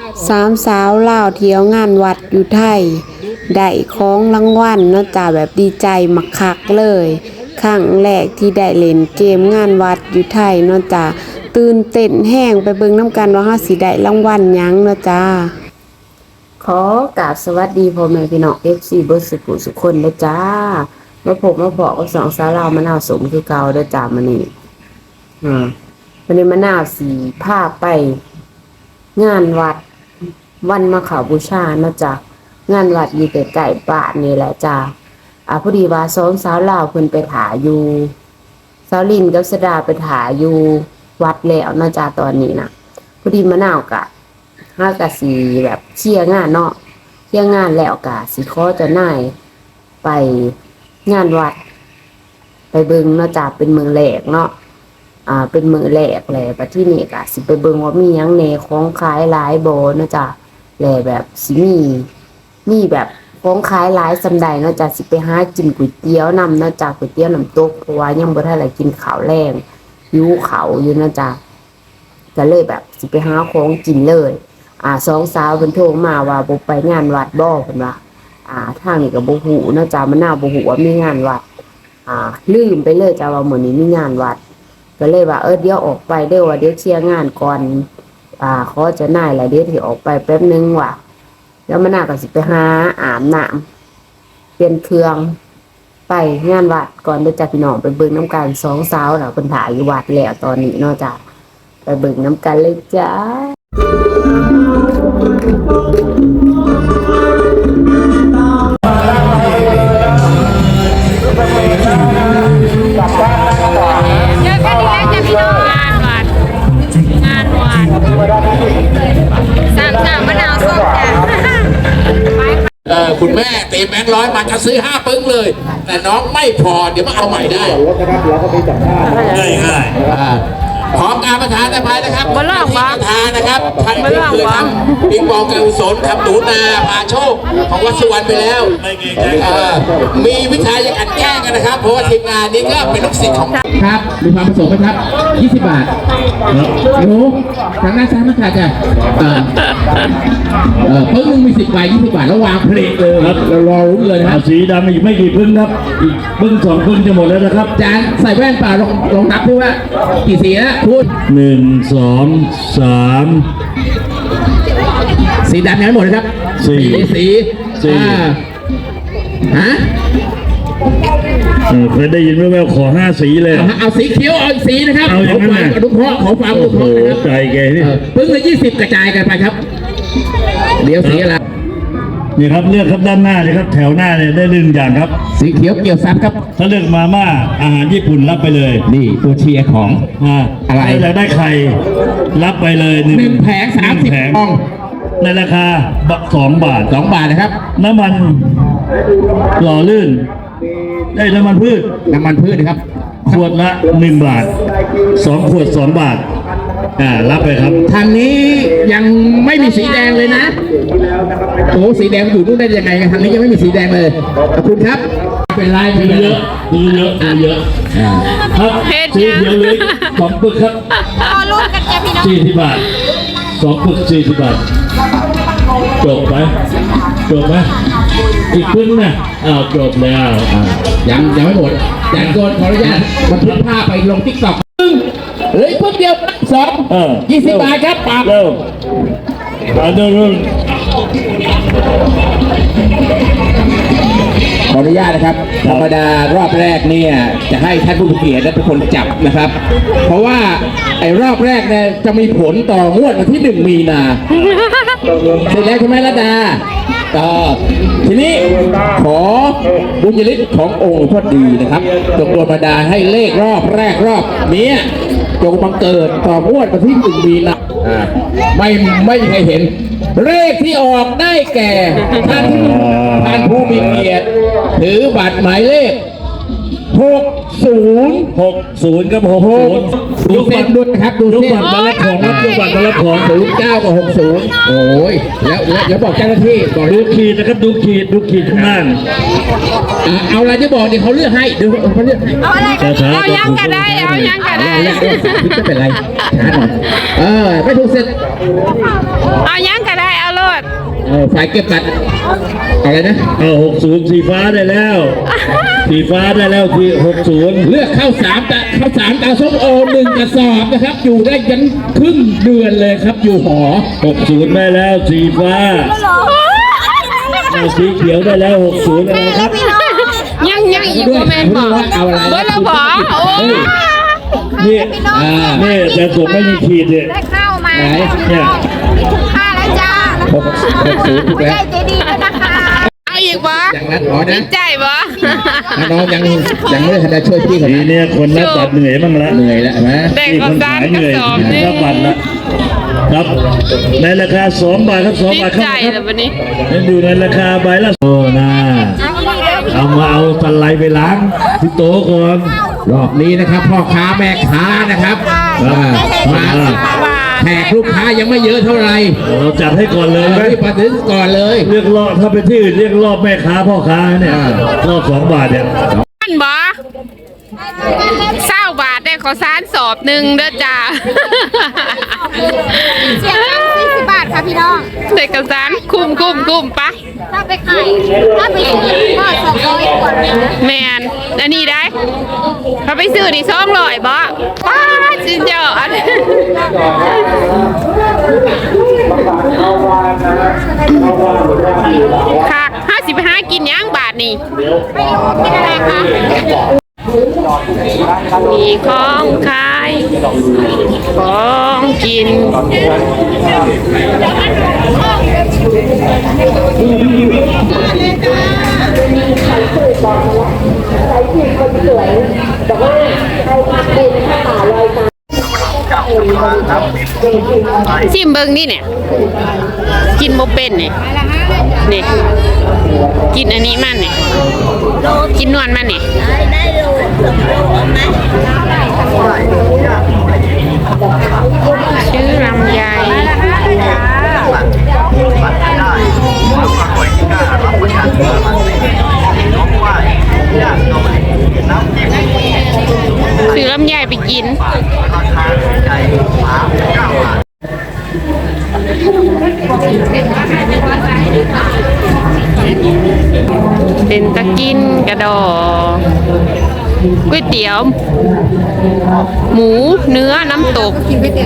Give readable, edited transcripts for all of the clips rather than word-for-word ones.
สามสาวลาวเที่ยวงานวัดอยู่ไทยได้ของรางวัลเนาะจ้าแบบดีใจมักคักเลยครั้งแรกที่ได้เล่นเกมงานวัดอยู่ไทยเนาะจ้าตื่นเต้นแห้งไปเบิ่งน้ำกันว่าเฮาสิได้รางวัลหยังเนาะจ้าขอกราบสวัสดีพ่อแม่พี่น้อง FC เบิดสุขคนเด้อจ้ามาพบมาเพาะกับสองสาวลาวมะนาวสมคือเก่าเด้อจ้ามื้อนี้วันนี้มะนาวสีพาไปงานวัดวันมาฆบูชาเนาะจ้างานวัดอยู่ใกล้ๆบ้านนี่แหละจ้าพอดีว่าสองสาวลาวเพิ่นไปถ่ายอยู่สาวลินกับสดาไปถ่ายอยู่วัดแล้วเนาะจ้าตอนนี้นะพอดีมะนาวกะสิแบบเคลียร์งานเนาะเคลียร์งานแล้วกะสิขอเจ้านายไปงานวัดไปเบิ่งเนาะจ้าเป็นเมืองแรกเนาะเป็นมือแรกแหละประที่นี่ก็สิไปเบิ่งว่ามีหยังแหน่ของขายหลายบ่เนาะจ้ะแหละแบบสิมีแบบของขายหลายสำใดเนาะจ้ะสิไปหากินก๋วยเตี๋ยวนำเนาะจ้ะก๋วยเตี๋ยวน้ำตกเพราะว่ายังบ่ทันได้กินข้าวแรงหิวข้าวอยู่เนาะจ้ะก็เลยแบบสิไปหาของกินเลยสองสาวเพิ่นโทรมาว่าบ่ไปงานวัดบ่เพิ่นว่าทางนี้ก็บ่ฮู้เนาะจ้ะมะนาวบ่ฮู้ว่ามีงานวัดลืมไปเลยจ้ะว่ามื้อนี้มีงานวัดก็เลยว่าเดี๋ยวออกไปเด้อว่าเดี๋ยวเคลียร์งานก่อนขอจะน่ายแหละเดี๋ยวที่ออกไปแป๊บนึงว่ะแล้วมันน่าก็สิไปหาอาบน้ำเปลี่ยนเครื่องไปงานวัดก่อนเดี๋ยวจะพี่น้องไปเบิ่งน้ำกันสองสาวน่ะเพิ่นถ่ายอยู่วัดแล้วตอนนี้เนาะจ้ะไปเบิ่งน้ำกันเลยจ้าคุณแม่เต็มแบงค์ร้อยมาจะซื้อ5 ปึ้งเลยแต่น้องไม่พอเดี๋ยวมาเอาใหม่ได้ง่ายพร้อมการประธานอภัยนะครับประธานนะครับท่านที่เคยทำปิงปองการกุศลทำหนูนาพาโชคของวัดสุวรรณไปแล้วมีวิชาอย่างอัดแก้งกันนะครับเพราะว่าทีมงานนี้ก็เป็นลูกศิษย์ของครับมีความประสงค์ไหมครับ20 บาทหนูทางหน้าซ้ายมาค่ะจ้ะเพิ่งนึงมี10 ใบ 20 บาทแล้ววางเพลงเลยครับเรารอรุ้นเลยนะครับสีดำอีกไม่กี่พึ่งครับอีกพึ่ง2 พึ่งจะหมดแล้วนะครับจานใส่แว่นเปล่าลองนับด้วยว่ากี่สีนะพูด 1 2 3 สีดำยังไม่หมดนะครับสีฮะเคยได้ยินแว่วๆขอ5 สีเลยเอาสีเขียวเอาอีกสีนะครับเอาอย่างนั้นนะขอความอนุเคราะห์นะครับใจแกนี่พึ่งละ20กระจายกันไปครับเดี๋ยวสีอะไรนี่ครับเลือกครับด้านหน้าเลยครับแถวหน้าเนี่ยได้1 อย่างครับสีเขียวเกี่ยวซับครับถ้าเลือกมาม่าอาหารญี่ปุ่นรับไปเลยนี่ตัวเชียร์ของอะไรอยากได้ไข่รับไปเลย 1 แผง30 ฟองในราคา2 บาทนะครับน้ำมันหล่อลื่นได้น้ำมันพืชนะครับขวดละ1 บาท2 ขวด2 บาทรับไปครับทางนี้ยังไม่มีสีแดงเลยนะโอ้สีแดงอยู่นู่นได้ยังไงทางนี้ยังไม่มีสีแดงเลยขอบคุณครับเป็นไรมีเยอะครับสีเขียวเลย2 ปึกครับรุ่นกันจ้ะพี่น้อง 40 บาท2 ปึก40 บาทจบไหมอีกพึ่งนะจบแล้วยังไม่หมดแต่ก่อนขออนุญาตบันทึกภาพไปลงติ๊กต็อกเหลือพึ่งเดียว20 บาทครับปากเริ่มขออนุญาตนะครับธรรมดารอบแรกเนี่ยจะให้ท่านผู้เกียรติและทุกคนจับนะครับเพราะว่าไอ้รอบแรกเนี่ยจะมีผลต่องวดวันที่1 มีนาเสร็จแล้วใช่ไหมรัตดาทีนี้ขอบุญยฤทธิ์ขององค์หลวงพ่อดีนะครับจงโดนบันดาลให้เลขรอบแรกรอบนี้จงบังเกิดต่องวดวันที่1 มีนาไม่มีใครเห็นเลขที่ออกได้แก่ท่านผู้มีเกียรติถือบัตรหมายเลข60 กับ60 ดูเส้นด้วยครับดูเส้นบัตรมารับของครับบัตรมารับของ 09กับ60โอ้ยแล้วบอกเจ้าหน้าที่บอกดูขีดนะครับดูขีดข้างล่างเอาอะไรจะบอกเดี๋ยวเขาเลือกให้ดูเขาเลือกเอาอะไรเอายังกันได้ไม่เป็นไรไม่ถูกเสร็จเอายังกันได้ฝ่ายเก็บบัตรอะไรนะเอา60สีฟ้าได้แล้ว สีฟ้าได้แล้วที่60 เลือกข้าวสามตาส้มโอ1 กระสอบนะครับ อยู่ได้ยันครึ่งเดือนเลยครับอยู่หอ 60ได้แล้วสีฟ้าเอาสีเขียวได้แล้ว60แล้วนะครับยังอีกว่าแมนบอกเอาอะไรเบอร์ละบอกโอ้นี่นี่แต่ผมไม่มีขีดเนี่ยได้ข้าวมาไหนเนี่ยมีถุงผ้าแล้วจ้า 60ถูกแล้วได้ใจดีด้วยนะคะเอาอีกบ่อย่างนั้นอ๋อนะใจบ่น้องยังไม่ได้ทันได้ช่วยพี่เขาทีเนี่ยคนรับบัตรเหนื่อยบ้างละเหนื่อยแล้วเห็นไหมแบ่งนี่กัคบนซาขาน ยกเหระนื่อยสอบหนึงรับบัตรละครับในราคา2 บาทครับ2 ดีบาทคใจรับเลยวันนี้ยังอยู่ในราคาใบละโอ้นะเอามาเอาตะไลไปล้างที่โต๊ะก่อนรอบนี้นะครับพ่อค้าแม่ค้านะครับมาแขกลูกค้ายังไม่เยอะเท่าไหร่เราจัดให้ก่อนเลยไหมรีบมาถึงก่อนเลยเรียกรอบถ้าเป็นที่อื่นเรียกรอบแม่ค้าพ่อค้าเนี่ยรอบ2 บาทเนี่ยอันบ่20 บาทได้ขอสารสอบหนึ่งเด้อจ้าเสียง40 บาทค่ะพี่น้องได้กระสารคุ้มปะถ้าไปขายถ้าไปซื้อก็200 กว่านะแมนอันนี้ได้เขาไปซื้อนี่200บ่ป้าจริงเจ้าอันค่ะ55กินย่างบาทนี่ไม่รู้กินอะไรคะมีของขายของกินชิมเบิ้งนี่เนี่ยกินโมเป็นเนี่ยนี่กินอันนี้มันเนี่ยกินนวลมันเนี่ยชื่อลำไยซื้อลำไยไปกินเป็นตะกินกระดอก๋วยเตี๋ยวหมูเนื้อน้ำตก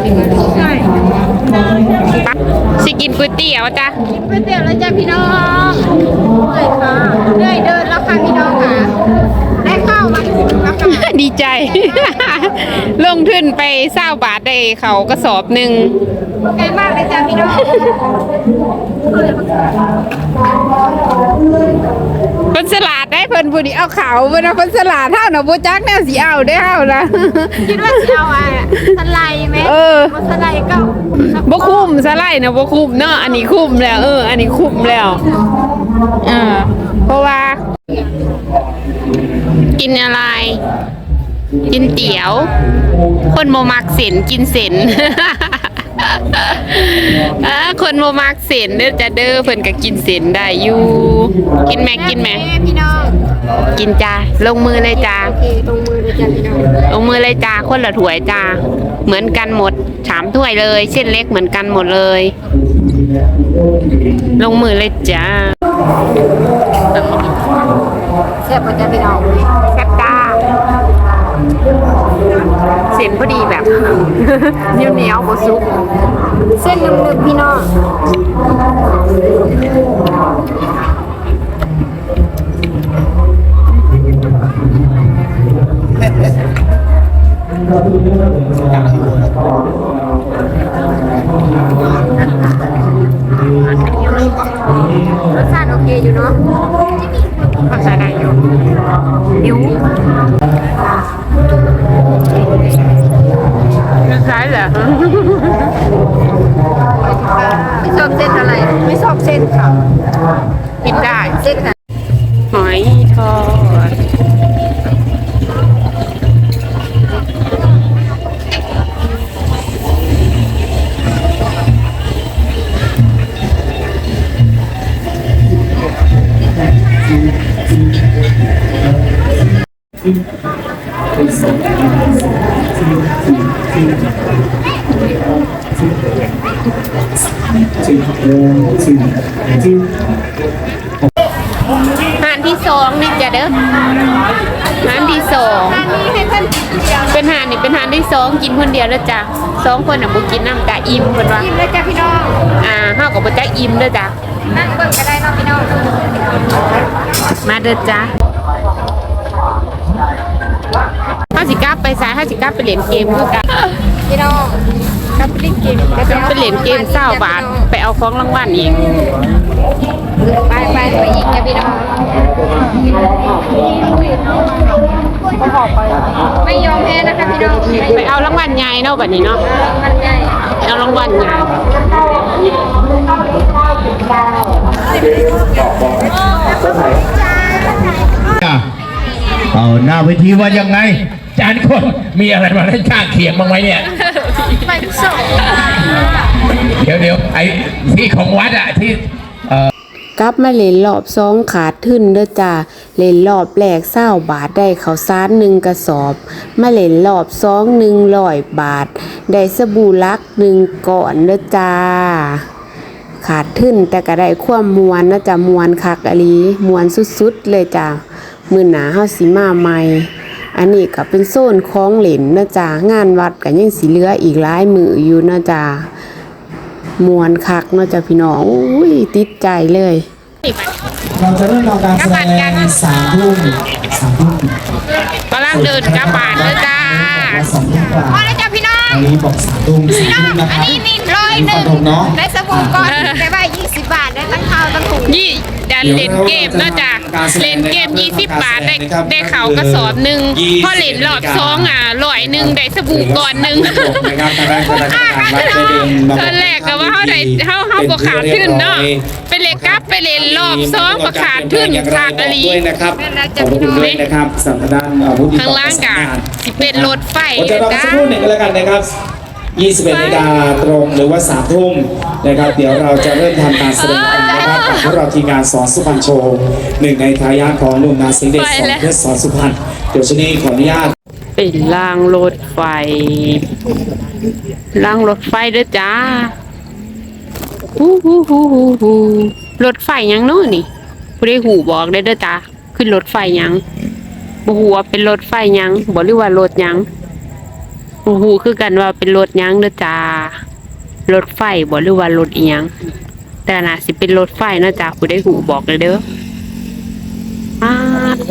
สิกินก๋วยเตี๋ยวจ้ะก๋วยเตี๋ยวแล้วจ้ะพี่น้องเลยค่ะเรื่อยเดินแล้วค่ะพี่น้องค่ะ ได้ข้าวมาแล้วค่ะดีใจ ลงทุนไป20 บาทได้เขากระสอบหนึ่งไกลมากเลยจ้ะพี่น้องคนสลัดได้เพิ่นผู้นี้เอาเขาเพิ่นเอาคนสลัดเท่าน่ะบ่จักแนวสิเอาได้เฮานะคิดว่าจะเอาสไลด์ไหมเออสไลด์ก็บ่คุ้มสไลด์นะบ่คุ้มเนาะอันนี้คุ้มแล้วอันนี้คุ้มแล้วเพราะว่ากินอะไร กินเตี๋ยว คนโมมักเส้นกินเส้น คนโมมักเส้นเด้อจะเด้อเพิ่นก็กินเส้นได้อยู่กินแม่กินแม่พี่น้องกินจ้าลงมือเลยจ้าโอเคตรงมือเลยจ้ะพี่น้องลงมือเลยจ้าคนละถ้วยจ้าเหมือนกันหมด3 ถ้วยเลยเส้นเล็กเหมือนกันหมดเลย ลงมือเลยจ้าเสียบจ้ะพี่น้องแซ่บจ้าเส้นพอดีแบบ เหนียวๆบ่สุกเส้นนึบๆพี่น้อง รสชาติโอเคอยู่เนาะก็ใช้ได้อยู่หิวใช่เหรอไม่ชอบเส้นอะไร ไม่ชอบเส้นค่ะกินได้เส้นค่ะหอยทอดหานที่สองนี่จ้ะเด้อหานที่สองอันนี้ให้เพื่อนกินเดียวเป็นหานนี่เป็นหานที่สองกินคนเดียวแล้วจ้ะสองคนน่ะบ่กินน้ำกะอิ่มเพิ่นว่ากินเลยจ้ะพี่น้องเฮาก็บ่จักอิ่มเด้อจ้ะนั่งเบิ่งก็ได้เนาะพี่น้องมาเด้อจ้ะเฮาสิกลับไปซ้ายเฮาสิกลับไปเล่นเกมคือกันพี่น้องกลับไปเล่นเกมกลับไปเล่นเกม20 บาทไปเอาของรางวัลอีกไปอีกจ้ะพี่น้องไม่ยอมแพ้นะคะพี่น้องไปเอารางวัลใหญ่เนาะบัดนี้เนาะมันใหญ่เอารางวัลใหญ่เอาหน้าเวทีว่ายังไงจานคนมีอะไรมาเล่นข้างเคียงบ้างไหมเนี่ยไปส่งเดี๋ยวไอ้ที่ของวัดอะที่กลับมาเล่นรอบสองขาดทึ้นเด้อจ้าเล่นรอบแรก20 บาทได้ข้าวสาร1กระสอบมาเล่นรอบสอง100 บาท ได้สบู่ลัก1ก้อนเด้อจ้าขาดทึ้นแต่ก็ได้ความมวนนะจ้ะมวนคักอหลีมวนสุดๆเลยจ้ามื้อหน้าเฮาสิมาใหม่อันนี้ก็เป็นโซนของเล่นนะจ้างานวัดก็ยังสิเหลืออีกหลายมื้ออยู่นะจ้ามวนคักเนาะจ้ะพี่น้องอุ้ยติดใจเลยเราจะเริ่มทำการแสดง3 ทุ่มกำลังเดินกลับบ้านเด้อจ้าและ2 ทุ่มกว่าพอแล้วจ้ะพี่น้องอันนี้บอก3 ทุ่ม4 ทุ่มนะคอันรับนี้นี่101ได้สบู่ก่อนได้ว่า20 บาทได้ตั้งข้าวตั้งถุงยี่ดันเล่นเกมเนาะจ้ะเล่นเกม20 บาทได้เขาวกระสอบหนึ่งพอเล่นรอบสอง100ได้สบู่ก่อนหนึ่งตอนแรกก็ว่าเขาบ่ขาดทุนเนาะไปเล่นกลับไปเล่นรอบสองบ่ขาดทุนขาดอะไรด้วยนะครับขอบคุณด้วยนะครับสำหรับด้านผู้ที่ข้างล่างกะสิเป็นรถไฟผมจะรอจ้าสักครู่หนึ่งก็แล้วกันนะครับ 21 นาฬิกาตรงหรือว่า3 ทุ่มนะครับเดี๋ยวเราจะเริ่มทำการแสดงกันนะครับกับพวกเราทีมงานสอนสุพรรณโชว์หนึ่งในทายาทของหนุ่มนาสิงห์เดชสอนเพชรสอนสุพรรณเดี๋ยวชนี้ขออนุญาตเป็นรางรถไฟรางรถไฟเด้อจ้าฮูรถไฟยังเนาะนี่ผู้ใดหูบอกได้เด้อจ้าขึ้นรถไฟยังบ่ฮู้ว่าเป็นรถไฟยังบ่หรือว่ารถยังบ่ฮู้คือกันว่าเป็นรถยังเด้อจ้ารถไฟบ่หรือว่ารถอีหยังแต่น่าสิเป็นรถไฟเนาะจ้าผู้ใดหูบอกเลยเด้อโอ้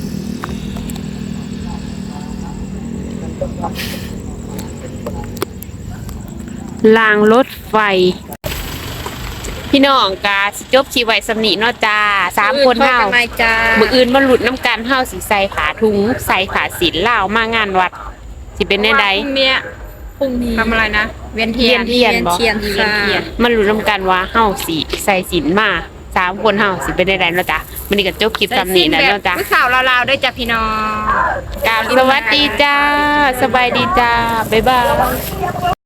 รางรถไฟ พี่น้องกาสิจบชีไว้สำนีเนาะจ้า3 คนเฮามื้ออื่นมาหลุดน้ำกันเฮาสิใส่ขาถุงใส่ขาศีลลาวมางานวัดสิเป็นแน่ใดพรุ่งนี้ทำอะไรนะเวียนเทีเทียยนนบ่เทียนค่ะมาหลุดน้ำกันว่าเฮาสิใส่ศีลมา3 คนเฮาสิเป็นแน่ใดเนาะจ้ามื้อนี้ก็จบคลิปสำนีแล้วเนาะจ้าผู้สาวลาวๆด้วยจ้ะพี่น้องกราบสวัสดีจ้าสบายดีจ้าบ๊ายบาย